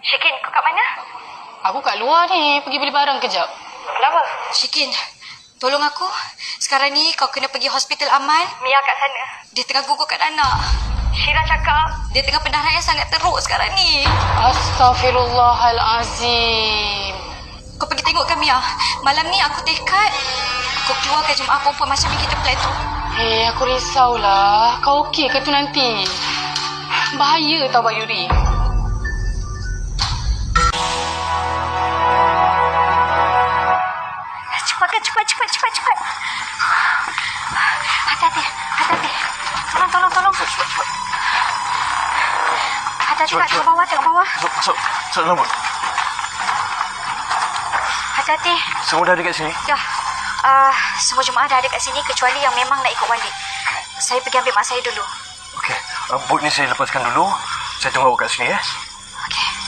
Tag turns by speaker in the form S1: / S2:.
S1: Syikin, kau kat mana?
S2: Aku kat luar ni, pergi beli barang kejap.
S1: Kenapa?
S3: Syikin, tolong aku. Sekarang ni kau kena pergi hospital Aman.
S1: Mia kat sana.
S3: Dia tengah gugurkan anak.
S1: Syira cakap
S3: Dia tengah pendarahan yang sangat teruk sekarang ni.
S2: Astaghfirullahalazim.
S3: Kau pergi tengokkan Mia. Malam ni aku tekad aku keluarkan jemaah perempuan macam yang kita plan tu.
S2: Aku risaulah. Kau okey ke tu nanti? Bahaya tau Bayuri.
S1: Cepat. Hati-hati. Tolong. Hati-hati kat tengok bawah.
S4: Masuk dalam bot.
S1: Hati-hati.
S4: Semua dah ada kat sini?
S1: Dah. Semua jemaah dah ada kat sini kecuali yang memang nak ikut wali. Saya pergi ambil mak saya dulu.
S4: Okey. Bot ni saya lepaskan dulu. Saya tunggu awak kat sini, ya.